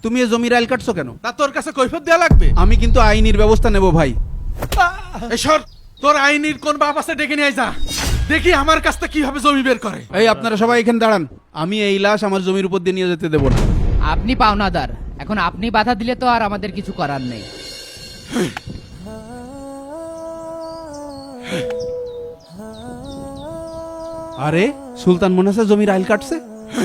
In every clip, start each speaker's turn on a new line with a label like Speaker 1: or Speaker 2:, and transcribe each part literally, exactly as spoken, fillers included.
Speaker 1: তুমি এই জমির আইল কাটছো কেন?
Speaker 2: তা তোর কাছে কৈফিয়ত দেয়া লাগবে?
Speaker 1: আমি কিন্তু আইনির ব্যবস্থা নেব ভাই।
Speaker 2: এই সর, তোর আইনির কোন বাপ আছে ডেকে নিয়ে যা, দেখি আমার কাছটা কিভাবে জমি বের করে।
Speaker 1: এই আপনারা সবাই এখানে দাঁড়ান, আমি এই লাশ আমার জমির উপর দিয়ে নিয়ে যেতে দেবো না।
Speaker 3: আপনি পাওনাদার, এখন আপনি বাধা দিলে তো আর আমাদের কিছু করার নেই।
Speaker 1: আরে সুলতান মনে আছে জমির আইল কাটছে?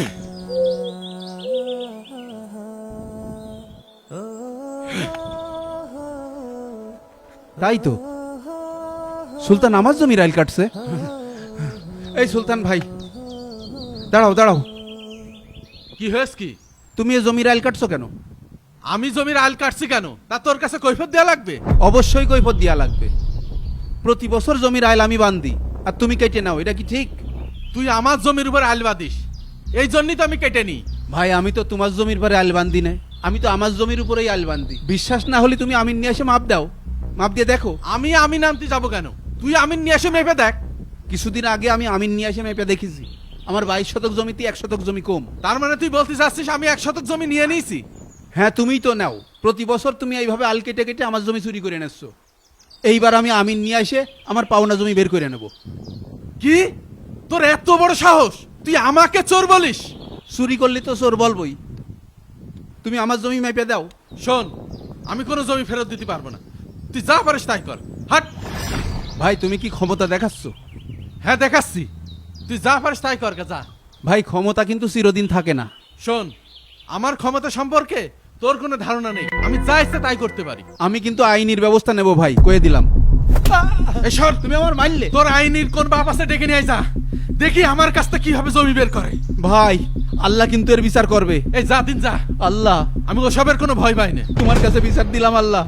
Speaker 1: তাই তো, সুলতান আমার জমির আইল কাটছে। এই সুলতান ভাই দাঁড়াও দাঁড়াও,
Speaker 2: কি হয়েছে কি?
Speaker 1: তুমি এই জমির আইল কাটছো কেন?
Speaker 2: আমি জমির আইল কাটছি কেন, তা তোর কাছে কৈফিয়ত দেয়া লাগবে?
Speaker 1: অবশ্যই কৈফিয়ত দেয়া লাগবে। প্রতি বছর জমির আইল আমি বান্ধি আর তুমি কেটে নাও, এটা কি ঠিক?
Speaker 2: তুই আমার জমির উপর আইল বাঁধিস, এই জন্যই তো আমি কেটে নিই।
Speaker 1: ভাই আমি তো তোমার জমির পরে আইল বান্ধি না, আমি তো আমার জমির উপরেই আইল বান্ধি। বিশ্বাস না হলে তুমি আমিন নিয়ে এসে মাপ দাও, মাপ দিয়ে দেখো।
Speaker 2: আমি আমিন আনতে যাবো কেন? তুই আমিন নিয়ে এসে মেপে দেখ।
Speaker 1: কিছুদিন আগে আমি আমিন নিয়ে এসে মেপে দেখেছি, আমার বাইশ শতক জমিতে এক শতক জমি কম।
Speaker 2: তার মানে তুই বলতে চাচ্ছিস আমি এক শতক জমি নিয়ে নিয়েছি?
Speaker 1: হ্যাঁ তুমিই তো নাও, প্রতি বছর তুমি এইভাবে আল কেটে কেটে আমার জমি চুরি করে এনেছো। এইবার আমি আমিন নিয়ে এসে আমার পাওনা জমি বের করে নেব।
Speaker 2: কি, তোর এত বড় সাহস, তুই আমাকে চোর বলিস?
Speaker 1: চুরি করলে তো চোর বলবই। তুমি আমার জমি মেপে দাও।
Speaker 2: শোন, আমি কোনো জমি ফেরত দিতে পারবো না, তুই যা পারিস তাই কর। হাট।
Speaker 1: ভাই তুমি কি ক্ষমতা দেখাচ্ছ?
Speaker 2: হ্যাঁ দেখাচ্ছি, তুই যা পারিস তাই কর, যা।
Speaker 1: ভাই ক্ষমতা কিন্তু চিরদিন থাকে না।
Speaker 2: শোন, আমার ক্ষমতা সম্পর্কে তোর কোনো ধারণা নেই, আমি যা ইচ্ছে তাই করতে পারি।
Speaker 1: আমি কিন্তু আইনির ব্যবস্থা নেব ভাই, কয়ে দিলাম।
Speaker 2: এই সর,
Speaker 1: তুমি আমার মারলে।
Speaker 2: তোর আইনির কোন বাপ আছে ডেকে নিয়ে যা, দেখি আমার কাছটা কিভাবে জমি বের করে।
Speaker 1: ভাই আল্লাহ কিন্তু এর বিচার করবে।
Speaker 2: এই যা দিন যা,
Speaker 1: আল্লাহ
Speaker 2: আমি ওসবের কোনো ভয় পাই না।
Speaker 1: তোমার কাছে বিচার দিলাম আল্লাহ।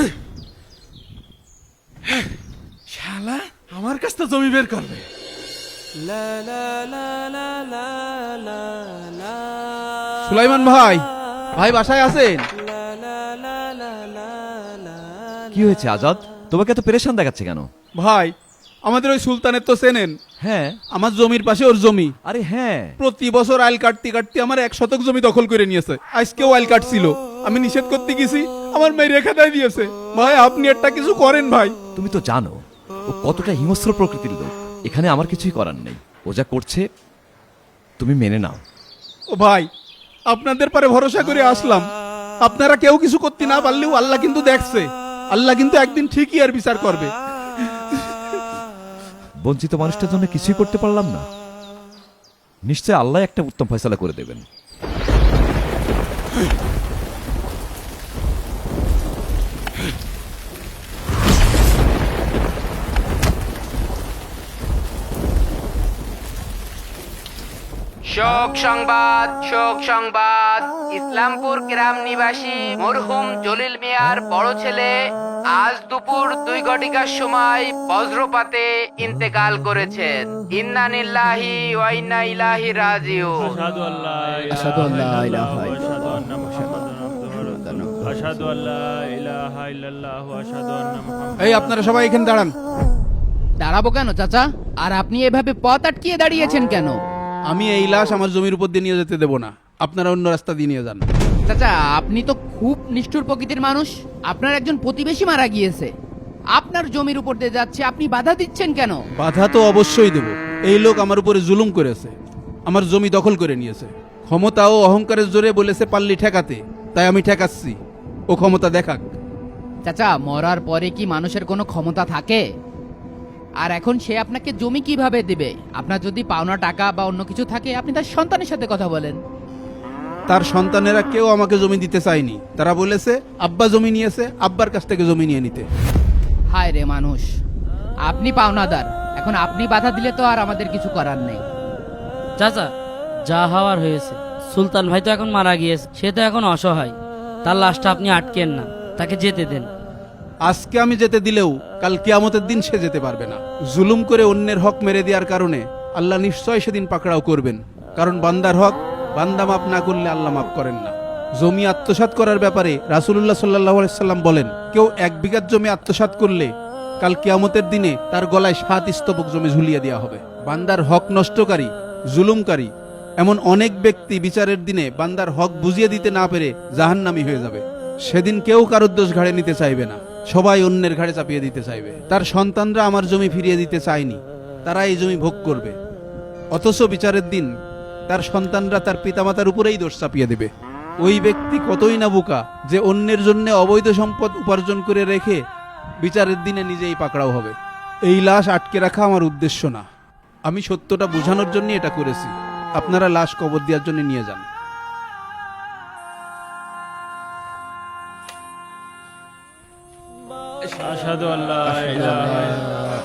Speaker 2: শালা আমার কাছটা জমি বের করবে।
Speaker 1: সুলাইমান ভাই, ভাই বাসায় আছেন?
Speaker 4: কি হয়েছে আজাদ, তোমাকে এত পেরেশান দেখাচ্ছে কেন?
Speaker 1: ভাই আমাদের ওই সুলতানের তো চেনেন?
Speaker 4: হ্যাঁ।
Speaker 1: আমার জমির পাশে ওর জমি।
Speaker 4: আরে হ্যাঁ,
Speaker 1: প্রতি বছর আইল কাটতে কাটতে আমার এক শতক জমি দখল করে নিয়েছে। আজকেও আইল কাটছিল, আমি নিষেধ করতে গেছি, আমার মেয়ে রেখা দেয় দিয়েছে। ভাই আপনি একটা কিছু করেন ভাই।
Speaker 4: তুমি তো জানো ও কতটা হিংস্র প্রকৃতির লোক, এখানে আমার কিছুই করার নেই। ও যা করছে তুমি মেনে নাও।
Speaker 1: ও ভাই আপনাদের পরে ভরসা করে আসলাম, আপনারা কেউ কিছু করতে না পারলেও আল্লাহ কিন্তু দেখছে, আল্লাহ কিন্তু একদিন ঠিকই আর বিচার করবে।
Speaker 4: বঞ্চিত মানুষটার জন্য কিছুই করতে পারলাম না, নিশ্চয় আল্লাহ একটা উত্তম ফয়সালা করে দেবেন।
Speaker 3: শোক সংবাদ, শোক সংবাদ। ইসলামপুর গ্রাম নিবাসী মরহুম জলিল মিয়ার বড় ছেলে আজ দুপুর দুই ঘটিকার সময় বজ্রপাতে ইন্তেকাল করেছেন। ইন্না লিল্লাহি ওয়া ইন্না ইলাইহি রাজিউন।
Speaker 5: আশহাদু আল্লা
Speaker 6: আশহাদু আল্লা ইলাহা
Speaker 5: আশহাদু আন্না মুহাম্মাদান আবদুহু আশহাদু আল্লা ইলাহা ইল্লাল্লাহু আশহাদু আন্না মুহাম্মাদান।
Speaker 1: এই আপনারা সবাই এখানে দাঁড়ান।
Speaker 3: দাঁড়াবো কেন চাচা? আর আপনি এভাবে পথ আটকিয়ে দাঁড়িয়েছেন কেন?
Speaker 1: আমি এই লাশ আমার জমির উপর দিয়ে নিয়ে যেতে দেবো না, আপনারা অন্য রাস্তা দিয়ে নিয়ে যান।
Speaker 3: চাচা আপনি তো খুব নিষ্ঠুর প্রকৃতির মানুষ, আপনার একজন প্রতিবেশী মারা গিয়েছে, আপনার জমির উপর দিয়ে যাচ্ছে, আপনি বাধা দিচ্ছেন কেন?
Speaker 1: বাধা তো অবশ্যই দেব। এই লোক আমার উপরে জুলুম করেছে, আমার জমি দখল করে নিয়েছে। ক্ষমতা ও অহংকারের জোরে বলেছে পাল্লি ঠেকাতে, তাই আমি ঠেকাচ্ছি, ও ক্ষমতা দেখাক।
Speaker 3: চাচা মরার পরে কি মানুষের কোনো ক্ষমতা থাকে? আর এখন সে আপনাকে জমি কিভাবে দিবে? আপনার যদি পাওনা টাকা বা অন্য কিছু থাকে আপনি তার সন্তানের সাথে কথা বলেন।
Speaker 1: তার সন্তানেরা কেউ আমাকে জমি দিতে চায়নি, তারা বলেছে আব্বা জমি নিয়েছে, আব্বার কাছ থেকে জমি নিয়ে নিতে।
Speaker 3: হায় রে মানুষ, আপনি পাওনাদার, এখন আপনি বাধা দিলে তো আর আমাদের কিছু করার নেই।
Speaker 7: চাচা যা হওয়ার হয়েছে, সুলতান ভাই তো এখন মারা গিয়েছে, সে তো এখন অসহায়, তার লাশটা আপনি আটকেন না, তাকে যেতে দেন।
Speaker 1: আজকে আমি যেতে দিলেও কাল কিয়ামতের দিন সে যেতে পারবে না। জুলুম করে অন্যের হক মেরে দেওয়ার কারণে আল্লাহ নিশ্চয় সেদিন পাকড়াও করবেন, কারণ বান্দার হক বান্দা মাফ না করলে আল্লাহ মাফ করেন না। জমি আত্মসাৎ করার ব্যাপারে রাসূলুল্লাহ সাল্লাল্লাহু আলাইহি সাল্লাম বলেন, কেউ এক বিঘা জমি আত্মসাৎ করলে কাল কিয়ামতের দিনে তার গলায় সাত স্তবক জমি ঝুলিয়ে দেওয়া হবে। বান্দার হক নষ্টকারী, জুলুমকারী এমন অনেক ব্যক্তি বিচারের দিনে বান্দার হক বুঝিয়ে দিতে না পেরে জাহান্নামী হয়ে যাবে। সেদিন কেউ কারোর দোষ ঘাড়ে নিতে চাইবে না, সবাই অন্যের ঘাড়ে চাপিয়ে দিতে চাইবে। তার সন্তানরা আমার জমি ফিরিয়ে দিতে চায়নি, তারা এই জমি ভোগ করবে। অথচ বিচারের দিন তার সন্তানরা তার পিতামাতার উপরেই দোষ চাপিয়ে দেবে। ওই ব্যক্তি কতই না বোকা যে অন্যের জন্য অবৈধ সম্পদ উপার্জন করে রেখে বিচারের দিনে নিজেই পাকড়াও হবে। এই লাশ আটকে রাখা আমার উদ্দেশ্য না, আমি সত্যটা বোঝানোর জন্য এটা করেছি। আপনারা লাশ কবর দেওয়ার জন্য নিয়ে যান।
Speaker 5: আশহাদু আল্লা ইলাহা ইল্লাল্লাহ